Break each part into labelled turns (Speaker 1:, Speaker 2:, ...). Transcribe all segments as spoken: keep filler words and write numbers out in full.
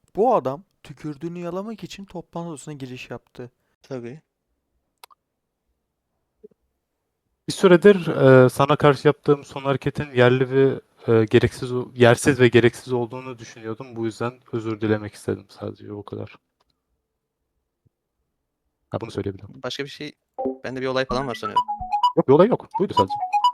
Speaker 1: Bu adam tükürdüğünü yalamak için toplantı odasına giriş yaptı.
Speaker 2: Tabii.
Speaker 3: Bir süredir e, sana karşı yaptığım son hareketin yerli ve e, gereksiz, yersiz ve gereksiz olduğunu düşünüyordum. Bu yüzden özür dilemek istedim sadece o kadar. Ha, bunu söyleyebilirim.
Speaker 2: Başka bir şey... Bende bir olay falan var sanıyorum.
Speaker 3: Yok, bir olay yok. Buydu sadece.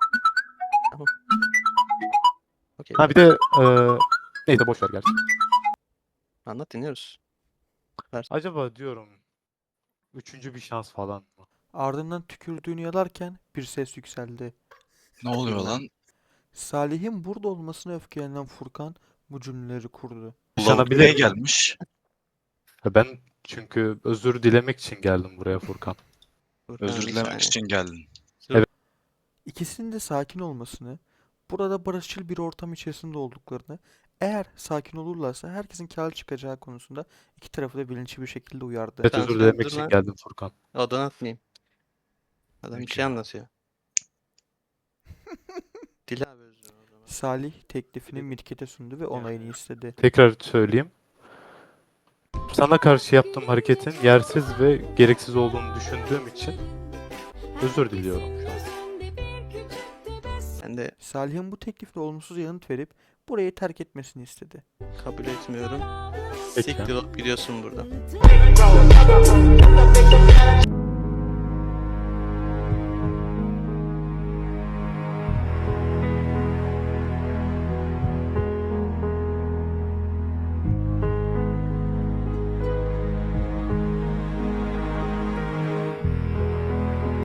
Speaker 2: Okey.
Speaker 3: Ha bir de e, neyse boş ver gerçi.
Speaker 2: Anlat, dinliyoruz. Ver.
Speaker 3: Acaba diyorum üçüncü bir şans falan mı?
Speaker 1: Ardından tükürdüğünü yalarken bir ses yükseldi.
Speaker 4: Ne oluyor
Speaker 2: Bilmem.
Speaker 4: lan?
Speaker 1: Salih'in burada olmasına öfkelenen Furkan bu cümleleri kurdu.
Speaker 3: Yaşanabilir
Speaker 4: Buraya
Speaker 3: mi?
Speaker 4: gelmiş.
Speaker 3: Ya ben çünkü özür dilemek için geldim buraya Furkan.
Speaker 2: Furkan,
Speaker 4: Özür
Speaker 2: bir
Speaker 4: dilemek
Speaker 2: saniye.
Speaker 4: için geldin.
Speaker 1: İkisinin de sakin olmasını, burada barışçıl bir ortam içerisinde olduklarını, eğer sakin olurlarsa herkesin kâr çıkacağı konusunda iki tarafı da bilinçli bir şekilde uyardı.
Speaker 3: Evet,
Speaker 2: Tamam,
Speaker 3: özür
Speaker 2: sen
Speaker 3: dilemek
Speaker 2: dur
Speaker 3: için
Speaker 2: lan.
Speaker 3: geldim Furkan.
Speaker 2: Odan atmayayım. Adam bir
Speaker 4: Peki.
Speaker 2: şey anlatıyor. Dile abi özür o zaman.
Speaker 1: Salih teklifini Mirket'e sundu ve onayını istedi.
Speaker 3: Tekrar söyleyeyim. Sana karşı yaptığım hareketin yersiz ve gereksiz olduğunu düşündüğüm için özür diliyorum şu an.
Speaker 2: Ben de
Speaker 1: Salih'in bu teklifle olumsuz yanıt verip burayı terk etmesini istedi.
Speaker 2: kabul etmiyorum.
Speaker 3: Peki.
Speaker 2: Siktir olup gidiyorsun buradan.